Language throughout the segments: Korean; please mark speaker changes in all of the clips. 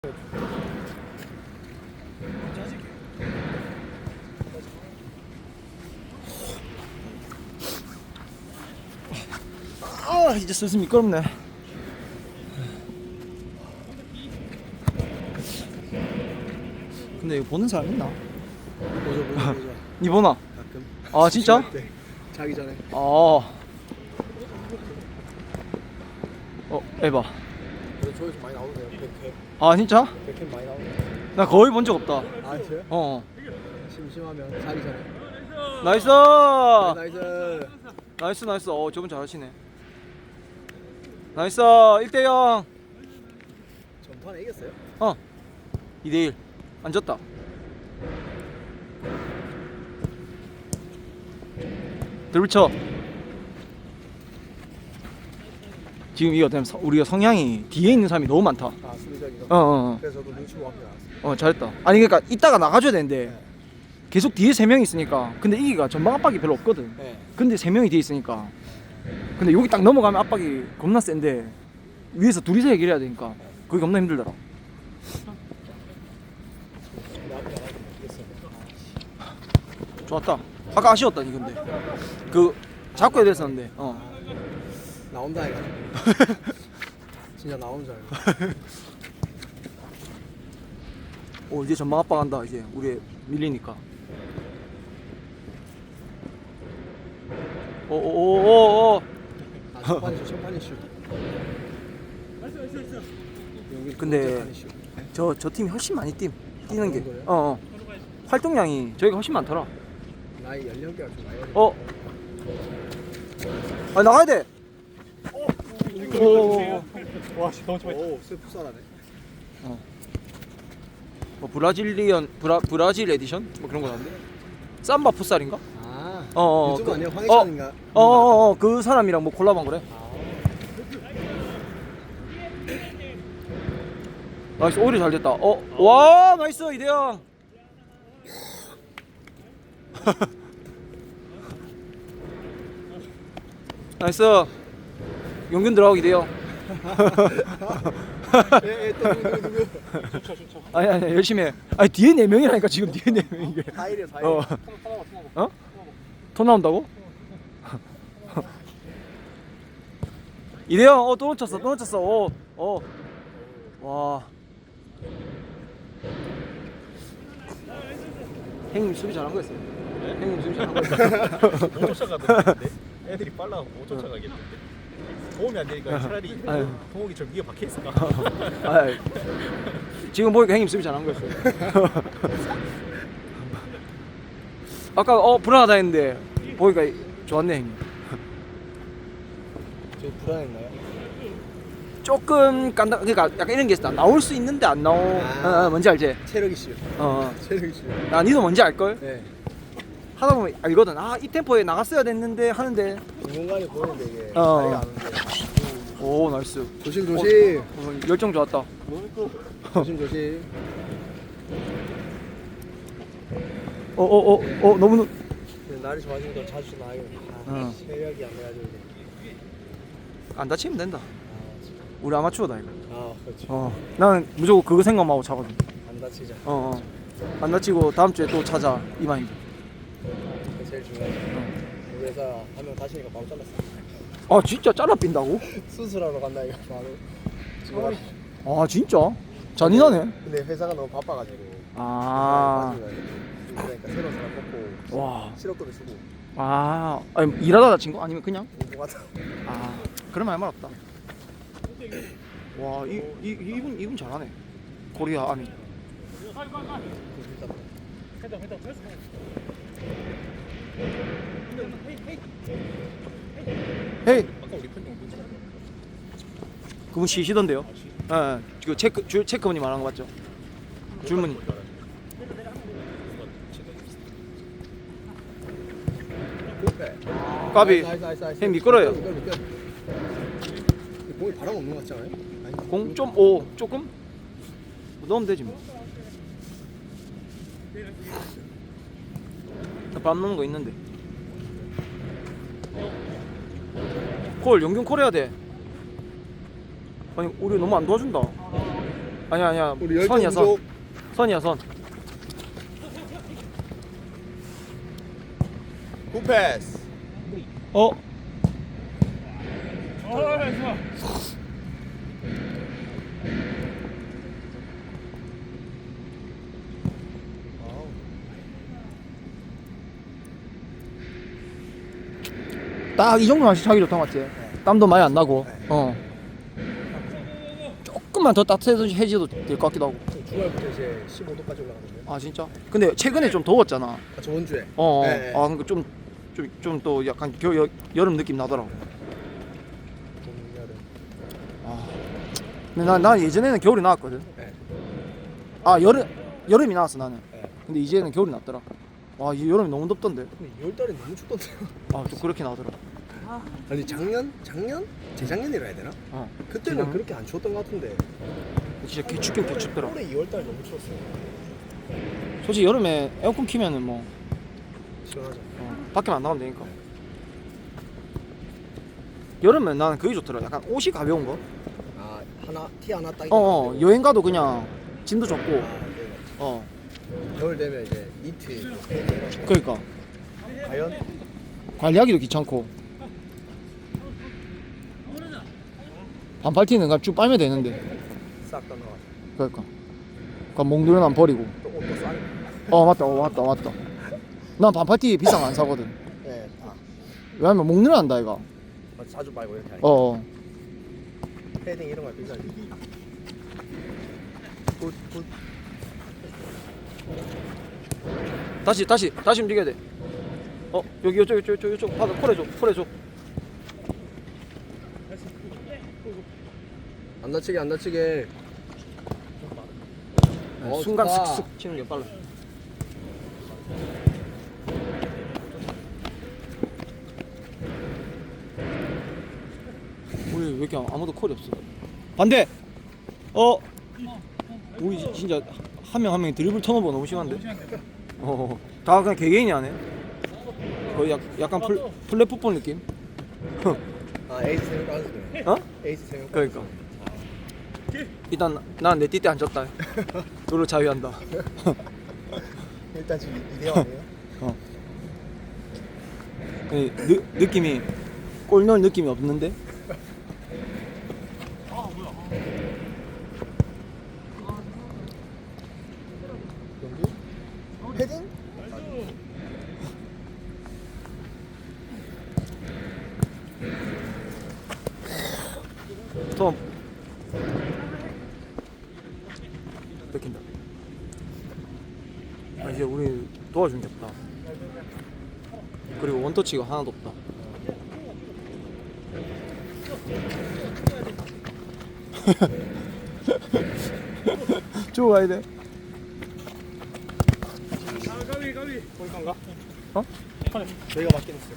Speaker 1: 아, 이제 슬슬 미끄럽네. 근데 이거 보는 사람 있나?
Speaker 2: 보자.
Speaker 1: 니 보나?
Speaker 2: 가끔.
Speaker 1: 아 진짜?
Speaker 2: 네. 자기 전에.
Speaker 1: 에바.
Speaker 2: 그래서 조회수 많이 나오는데요. 100회.
Speaker 1: 아 진짜?
Speaker 2: 100회 많이 나오는데.
Speaker 1: 나 거의 본 적 없다.
Speaker 2: 아, 진짜요?
Speaker 1: 어.
Speaker 2: 심심하면 자기 전에.
Speaker 1: 나이스.
Speaker 2: 나이스.
Speaker 1: 나이스. 저분 잘하시네. 나이스. 1대0.
Speaker 2: 전판에 이겼어요?
Speaker 1: 2대1. 안 졌다. 들쳐. 지금 이거 되면 우리가 성향이 뒤에 있는 사람이 너무 많다.
Speaker 2: 아, 수비적이죠.
Speaker 1: 어.
Speaker 2: 그래서 저도 눈치 보고 앞에 나왔어요.
Speaker 1: 잘했다. 아니 그러니까 이따가 나가줘야 되는데
Speaker 2: 네.
Speaker 1: 계속 뒤에 3명이 있으니까. 근데 이기가 전방 압박이 별로 없거든.
Speaker 2: 네.
Speaker 1: 근데 3명이 뒤에 있으니까. 근데 여기 딱 넘어가면 압박이 겁나 센데 위에서 둘이서 해결해야 되니까 그게 겁나 힘들더라.
Speaker 2: 근데 앞에 나가서 이겼어요.
Speaker 1: 좋았다. 아까 아쉬웠다 니 근데 그 잡고 해야 됐었는데.
Speaker 2: 나온다 해가지고. 진짜 나오는 줄 알고.
Speaker 1: 이제 전방 압박한다. 이제 우리 밀리니까. 오오오오.
Speaker 2: 아, 첫판이 슛. 여기
Speaker 1: 근데
Speaker 2: 첫판이 슛.
Speaker 1: 저 팀이 훨씬 많이 뛰는 게.
Speaker 2: 그런 거예요?
Speaker 1: 활동량이 저희가 훨씬 많더라.
Speaker 2: 나이 연령대가 좀 나이 어려.
Speaker 1: 나가야 돼. 오.
Speaker 2: 와, 너무 좋아. 오, 풋살하네.
Speaker 1: 브라질 에디션 뭐 그런 거 나왔는데. 삼바 풋살인가?
Speaker 2: 아, 유튜브 아니야? 황희찬인가?
Speaker 1: 그 사람이랑 뭐 콜라보한 거래. 나이스. 오히려 잘 됐다. 와 나이스 이대영. 나이스. 용균 들어가고 이대영.
Speaker 2: 누구?
Speaker 1: 아니 열심히 해. 아니 뒤에 4명이라니까 지금 뒤에 4명 이게.
Speaker 2: 다 이래, 다 이래.
Speaker 1: 토 나온다고? 이대영 또 놓쳤어. 와. 형님 수비 잘한 거였어요. 형님 수비 잘한 거였어요.
Speaker 3: 못 쫓아가던데 애들이 빨라서 못 쫓아가겠는데 도움이 안 되니까 차라리
Speaker 1: 아유.
Speaker 3: 동욱이 저 위에 박혀 있을까.
Speaker 1: 지금 보니까 형님 수비 잘한 거였어요. 아까 불안하다 했는데 보니까 좋았네 형님.
Speaker 2: 저 불안했나요?
Speaker 1: 조금 깐다. 그러니까 약간 이런 게 있어. 나올 수 있는데 안 나오. 뭔지 알지?
Speaker 2: 체력이 슛. 체력이 슛.
Speaker 1: 니도 뭔지 알 걸?
Speaker 2: 네.
Speaker 1: 하다 보면 알거든. 이 템포에 나갔어야 됐는데 하는데.
Speaker 2: 공간이 보이는데 이게 자리가
Speaker 1: 어.
Speaker 2: 안 오는데.
Speaker 1: 오 나이스.
Speaker 2: 조심.
Speaker 1: 열정 좋았다.
Speaker 2: 조심.
Speaker 1: 너무.
Speaker 2: 날이 좋아지니까 자주 나가요. 체력이 안 돼가지고.
Speaker 1: 안 다치면 된다. 우리 아마추어다 이거.
Speaker 2: 그렇죠.
Speaker 1: 나는 무조건 그거 생각만 하고 차거든.
Speaker 2: 안 다치자.
Speaker 1: 안 다치고 다음 주에 또 찾아 이 마인드.
Speaker 2: 그게 제일 중요하죠. 우리 회사 한 명 다치니까 바로 잘랐어.
Speaker 1: 진짜 잘라 빈다고?
Speaker 2: 수술하러 간다 이거 바로. 지금
Speaker 1: 진짜? 잔인하네.
Speaker 2: 근데 회사가 너무 바빠가지고.
Speaker 1: 아.
Speaker 2: 그러니까 새로운 사람 뽑고
Speaker 1: 와.
Speaker 2: 실업급여 주고.
Speaker 1: 아니 일하다 다친 거? 아니면 그냥?
Speaker 2: 뭐 같아.
Speaker 1: 그럼 할 말 없다. 와, 이분 잘하네. 코리아 아미. 헤이.
Speaker 3: 아까 우리 편 정도
Speaker 1: 그분 쉬시던데요? 그 체크분이 말한 거 맞죠? 줄무늬. 까비. 형 미끄러요.
Speaker 2: 공이 바람 없는 것 같지 않아요?
Speaker 1: 0.5 조금? 넣으면 되지 뭐. 밥 넣는 거 있는데. 콜, 용균 콜 해야 돼. 아니 우리 너무 안 도와준다. 아니야
Speaker 2: 우리 열정
Speaker 1: 선이야 선.
Speaker 2: 부족.
Speaker 1: 선이야 선.
Speaker 3: 굿패스.
Speaker 1: 어? 딱 이 정도만 차기 좋다 맞지? 땀도 많이 안 나고. 어. 조금만 더 따뜻해져도 될 것 같기도 하고.
Speaker 2: 주말부터 이제 15도까지 올라가는데.
Speaker 1: 아 진짜? 근데 최근에 좀 더웠잖아.
Speaker 2: 아, 저번 주에.
Speaker 1: 어.
Speaker 2: 네.
Speaker 1: 아 그러니까 좀 또 약간 여름 느낌 나더라고.
Speaker 2: 봄, 여름.
Speaker 1: 아. 근데 난 예전에는 겨울이 나왔거든.
Speaker 2: 네.
Speaker 1: 아 여름이 나왔어 나는.
Speaker 2: 네.
Speaker 1: 근데 이제는 겨울이 났더라. 와 이 여름이 너무 덥던데.
Speaker 2: 근데 2월달에 너무 춥던데요.
Speaker 1: 아 좀 그렇게 나더라.
Speaker 2: 아니 작년? 재작년이라 해야 되나?
Speaker 1: 어.
Speaker 2: 그때는
Speaker 1: 재작년?
Speaker 2: 그렇게 안 추웠던 것 같은데
Speaker 1: 진짜 개춥긴 개춥더라.
Speaker 2: 올해 2월달 너무 추웠어요.
Speaker 1: 솔직히 여름에 에어컨 키면은 뭐
Speaker 2: 시원하죠.
Speaker 1: 밖에만 안 나가면 되니까. 여름엔 나는 그게 좋더라. 약간 옷이 가벼운 거.
Speaker 2: 아 티 하나 딱.
Speaker 1: 여행 가도 그냥 짐도 적고.
Speaker 2: 네.
Speaker 1: 어.
Speaker 2: 겨울 되면 이제 니트.
Speaker 1: 그러니까
Speaker 2: 과연
Speaker 1: 관리하기도 귀찮고. 반팔티는 그냥 쭉 빨면 되는데.
Speaker 2: 싹 다 나와.
Speaker 1: 그러니까. 그러니까 몽두는 안 버리고.
Speaker 2: 또 옷도 싸네.
Speaker 1: 맞다. 난 반팔티 비싼 거 안 사거든.
Speaker 2: 네. 아
Speaker 1: 왜냐면 목늘 한다 이가.
Speaker 2: 자주 말고 이렇게 하니까.
Speaker 1: 어.
Speaker 2: 패딩 이런 거 비싸지. 굿.
Speaker 1: 다시 움직여야 돼. 여기 이쪽 바닥 콜해줘.
Speaker 2: 안 다치게.
Speaker 1: 순간
Speaker 2: 좋다.
Speaker 1: 슥슥 치는 게 빨라. 우리 왜 이렇게 아무도 콜이 없어? 반대. 우리 진짜 한 명 한 명이 드리블 턴오버 너무 심한데. 다 그냥 개개인이 하네. 거의 약간 플랫풋볼 느낌.
Speaker 2: 아 에이스 생각 안 쓰네.
Speaker 1: 어?
Speaker 2: 에이스 생각.
Speaker 1: 그러니까. 일단 난 내 띠때 앉았다. 너를 자유한다.
Speaker 2: 일단 지금 2대0 아니에요?
Speaker 1: 느낌이 골 넣을 느낌이 없는데.
Speaker 2: 연기? 패딩?
Speaker 1: 톰 뺏긴다. 이제 우리 도와준 게 없다. 그리고 원터치가 하나도 없다. 좋아야 돼.
Speaker 3: 골간가?
Speaker 1: 어?
Speaker 2: 저희가 맞긴 했어요.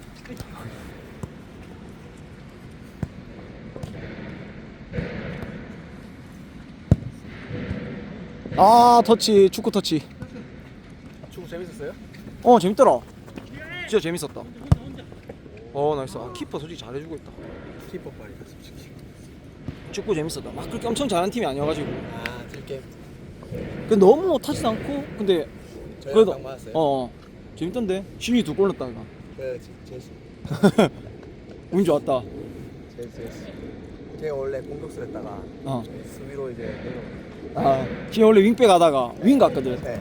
Speaker 1: 터치, 축구 터치.
Speaker 2: 축구 재밌었어요?
Speaker 1: 재밌더라. 진짜 재밌었다. 나이스. 키퍼 솔직히 잘해주고 있다.
Speaker 2: 키퍼 말이다 솔직히.
Speaker 1: 축구 재밌었다. 막 그렇게 엄청 잘하는 팀이 아니어가지고.
Speaker 2: 아 딜게임.
Speaker 1: 근데 너무 타지도 않고, 근데
Speaker 2: 저희가 딱 맞았어요.
Speaker 1: 재밌던데. 신이 2골 넣었다 이거.
Speaker 2: 네 재밌어.
Speaker 1: 운 좋았다.
Speaker 2: 재밌어. 제가 원래 공격수 했다가 수비로 이제
Speaker 1: 신이 원래 윙백 하다가 윙 갔거든.
Speaker 2: 네.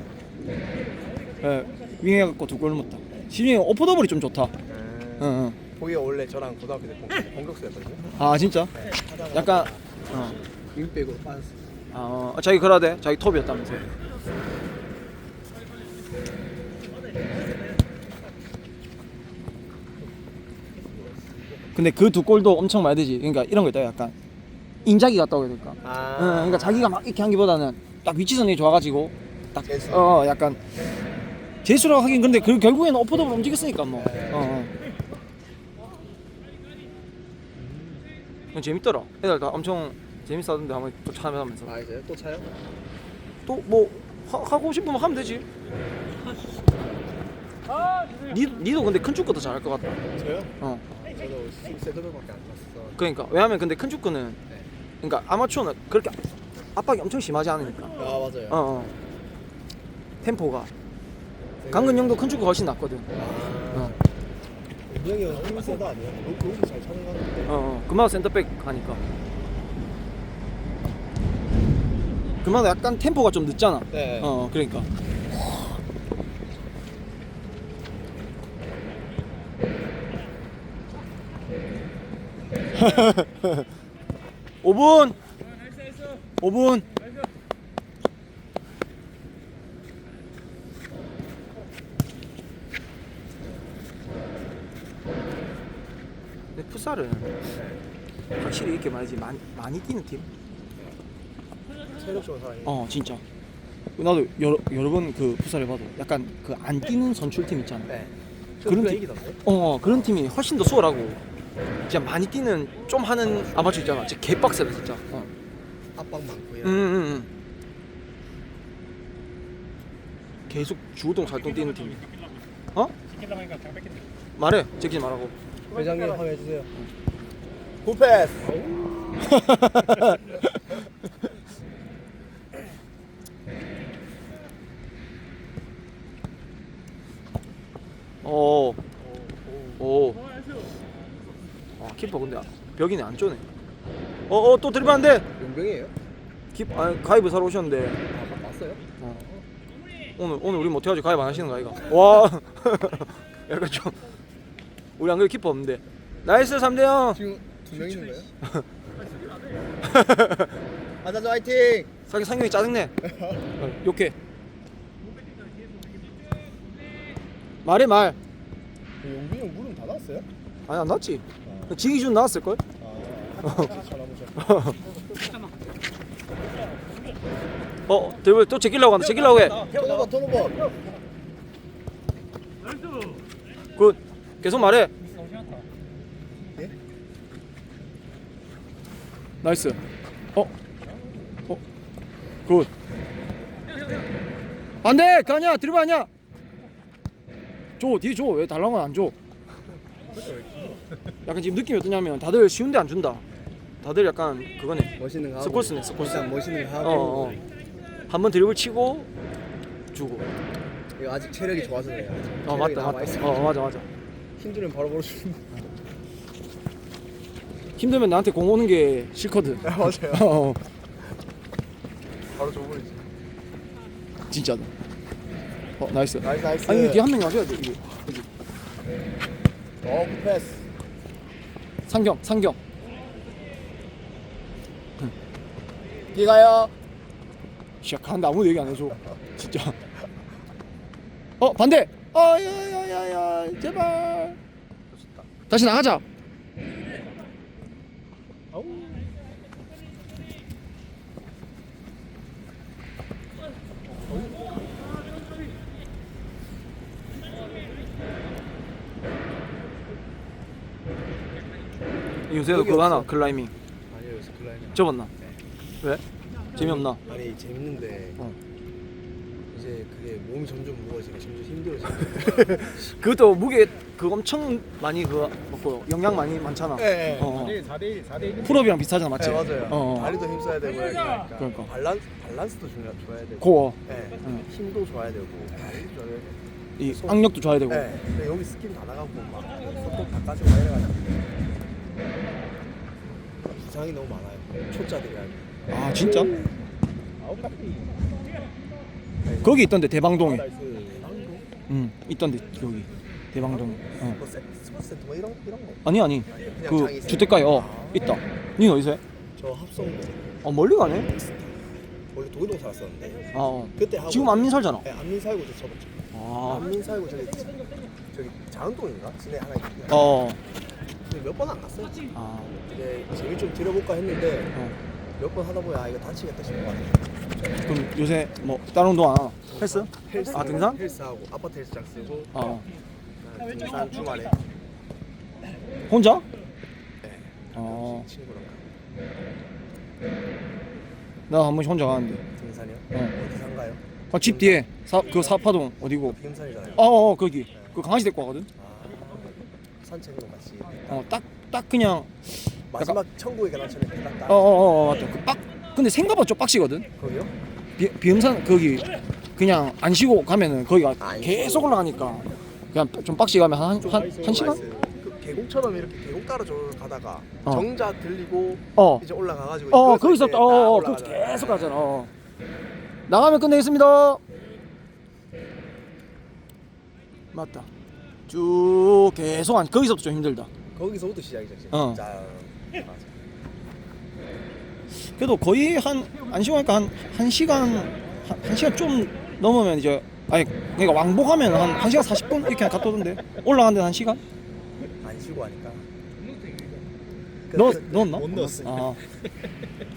Speaker 1: 윙 해갖고 2골 넣었다. 신이 오퍼더블이 좀 좋다. 응.
Speaker 2: 거기가 원래 저랑 고등학교 때 공격수였거든요.
Speaker 1: 아 진짜?
Speaker 2: 네.
Speaker 1: 약간
Speaker 2: 윙백으로 빠졌어.
Speaker 1: 자기 그러대. 자기 톱이었다면서. 근데 그 2골도 엄청 많이 되지. 그러니까 이런 거 있다. 약간 인자기 같다고 해야 될까? 그러니까 자기가 막 이렇게 한기보다는 딱 위치선이 좋아가지고 딱
Speaker 2: 재수.
Speaker 1: 약간 재수라고 하긴 근데 결국에는 오퍼더블 움직였으니까 뭐. 재밌더라. 애들 다 엄청 재밌어하던데 한번 또 참여하면서.
Speaker 2: 아 이제 또 차요?
Speaker 1: 또 뭐 하고 싶으면 하면 되지. 니도 근데 큰 축구 더 잘할 것 같다.
Speaker 2: 저요?
Speaker 1: 어.
Speaker 2: 저도 세드백밖에 안 갔어.
Speaker 1: 그러니까 왜냐면 근데 큰 축구는 그러니까 아마추어는 그렇게 압박이 엄청 심하지 않으니까.
Speaker 2: 아 맞아요.
Speaker 1: 어. 템포가 강근영도 큰 축구 훨씬 낫거든.
Speaker 2: 아. 은영이 형 힘이 세다 아니야? 거기서 잘 차는 거 같은데.
Speaker 1: 금마도 센터백 하니까. 금마도 약간 템포가 좀 늦잖아.
Speaker 2: 네.
Speaker 1: 그러니까. (5분) 5분. 근데 풋살은 확실히 이렇게 말이지 많이 뛰는 팀.
Speaker 2: 체력적인 사람이.
Speaker 1: 진짜. 나도 여러 번 그 풋살 해봐도 약간 그 안 뛰는 선출팀 있잖아.
Speaker 2: 네.
Speaker 1: 그런
Speaker 2: 그런
Speaker 1: 팀-
Speaker 2: 이기던데.
Speaker 1: 그런 팀이 훨씬 더 수월하고 진짜 많이 뛰는 좀 하는 아마추어 있잖아. 진짜 개빡세다 진짜.
Speaker 2: 압박 많고 이런.
Speaker 1: 계속 주동 살동 뛰는 팀. 말해. 제끼지 말라고.
Speaker 2: 회장님 한번 해주세요. 굿패스.
Speaker 1: 오. 키퍼 근데 벽이네 안 쪼네. 또 드리블 안 돼.
Speaker 2: 용병이에요?
Speaker 1: 가입을 사러 오셨는데
Speaker 2: 맞어요?
Speaker 1: 오늘 우리 못해가지고 가입 안 하시는 거 아이가? 와. 약간 좀 우리 안 그래도 키퍼 없는데. 나이스 3대0.
Speaker 2: 지금 2명 있는 거예요? 아자자 화이팅!
Speaker 1: 상경이 짜증내. 욕해. 말해 말.
Speaker 2: 용병이 형 물은 다 나왔어요?
Speaker 1: 아니 안 나왔지. 지기 준 나왔을걸? 드리블 또 제끼려고 한다. 제끼려고 해.
Speaker 2: 턴오버.
Speaker 1: 굿. 계속 말해.
Speaker 2: 예?
Speaker 1: 나이스. 굿. 안돼. 그 아니야. 드리블 아니야. 뒤에 줘. 왜 달라는 건 안 줘? 약간 지금 느낌이 어떠냐면 다들 쉬운데 안 준다. 다들 약간 그거네.
Speaker 2: 멋있는 거 하고.
Speaker 1: 스코스네, 스코스.
Speaker 2: 일단 멋있는 거 하고.
Speaker 1: 한번 드리블 치고 주고.
Speaker 2: 이거 아직 체력이 좋아서 그래요.
Speaker 1: 맞다. 맞아.
Speaker 2: 힘들면 바로 걸어주는.
Speaker 1: 힘들면 나한테 공 오는 게 싫거든.
Speaker 2: 맞아요. 바로 줘버리지.
Speaker 1: 진짜. 나이스.
Speaker 2: 나이스.
Speaker 1: 아니 뒤에 한 명 놔줘야 돼 이게. 그지?
Speaker 2: 굿패스.
Speaker 1: 상경.
Speaker 2: 뛰가요.
Speaker 1: 시작한다. 아무도 얘기 안 해줘. 진짜. 반대. 야야야야 제발. 다시 나가자. 요새도 그거 하나 클라이밍
Speaker 2: 아니요, 요새 클라이밍.
Speaker 1: 접었나? 왜? 재미없나?
Speaker 2: 아니 재밌는데
Speaker 1: 어.
Speaker 2: 이제 그게 몸이 점점 무거워지니까 점점 힘들어지고.
Speaker 1: 그것도 무게 그 엄청 많이 그거 먹고 영양 많잖아.
Speaker 2: 네.
Speaker 3: 4대1
Speaker 1: 풀업이랑 비슷하잖아, 맞지?
Speaker 2: 네 맞아요. 다리도
Speaker 1: 어.
Speaker 2: 힘써야 되고 그러니까.
Speaker 1: 그러니까.
Speaker 2: 밸런스도 줘야 되고.
Speaker 1: 고어.
Speaker 2: 네.
Speaker 1: 응.
Speaker 2: 힘도 줘야 되고 다리도 줘야 되고.
Speaker 1: 이 악력도 줘야 되고.
Speaker 2: 네. 근데 여기 스킨 다 나가고 막 손톱 다 까지고 막 이래가지고 부상이 너무 많아요. 초짜들이 알고.
Speaker 1: 아 진짜?
Speaker 3: 아홉 카피.
Speaker 1: 거기 있던데 대방동에.
Speaker 3: 나이스.
Speaker 1: 응, 있던데 여기 대방동.
Speaker 2: 뭐 스포츠 센터 뭐 이런 거.
Speaker 1: 아니
Speaker 2: 그냥
Speaker 1: 그
Speaker 2: 장이 있어요?
Speaker 1: 주택가에 있다. 니는 어디서 해?
Speaker 2: 저 합성도
Speaker 1: 멀리 가네.
Speaker 2: 원래 도교동 살았었는데
Speaker 1: 아
Speaker 2: 그때 하고
Speaker 1: 지금 안민 살잖아.
Speaker 2: 네, 안민 살고 저 접었죠. 안민 살고 저기 자은동인가? 진에 하나 있거든요. 몇 번 안 갔어요. 이제 재미 좀 들여볼까 했는데 몇 번 하다 보니 이거 다치겠다 싶은 거 같아요.
Speaker 1: 그럼 요새 뭐 다른 운동 안 하나? 헬스?
Speaker 2: 헬스,
Speaker 1: 등산?
Speaker 2: 헬스하고 아파트 헬스장 쓰고 등산 주말에
Speaker 1: 혼자?
Speaker 2: 네, 친구랑
Speaker 1: 나 한 번씩 혼자 가는데.
Speaker 2: 등산이요?
Speaker 1: 어.
Speaker 2: 어디 산가요?
Speaker 1: 집 뒤에 그 사파동 어디고?
Speaker 2: 비금산이잖아요.
Speaker 1: 거기. 그 강아지 데리고 가거든.
Speaker 2: 산책로 같이
Speaker 1: 딱 그냥
Speaker 2: 마지막 천국의 계단처럼 딱
Speaker 1: 맞다. 그 근데 생각보다 좀 빡시거든.
Speaker 2: 거기요?
Speaker 1: 비음산 거기 그냥 안 쉬고 가면은 거기가
Speaker 2: 안
Speaker 1: 계속 올라가니까 그냥 좀 빡시 가면 한 시간?
Speaker 2: 그 계곡처럼 이렇게 계곡 따라 가다가
Speaker 1: 어.
Speaker 2: 정자 들리고
Speaker 1: 어.
Speaker 2: 이제 올라가가지고
Speaker 1: 거기서
Speaker 2: 이제
Speaker 1: 거기서 계속 가잖아. 나가면 끝내겠습니다. 맞다. 쭉 계속 안 거기서부터 좀 힘들다.
Speaker 2: 거기서부터 시작이죠 지금.
Speaker 1: 어.
Speaker 2: 자, 맞아.
Speaker 1: 그래도 거의 안 쉬고 하니까 한 시간 한 시간 좀 넘으면 이제 아니 그러니까 왕복하면 한 1시간 40분 이렇게 갔다 오던데 올라간 데는 1시간?
Speaker 2: 안 쉬고 하니까.
Speaker 1: 넣었나?
Speaker 3: 못 넣었어요.
Speaker 1: 아.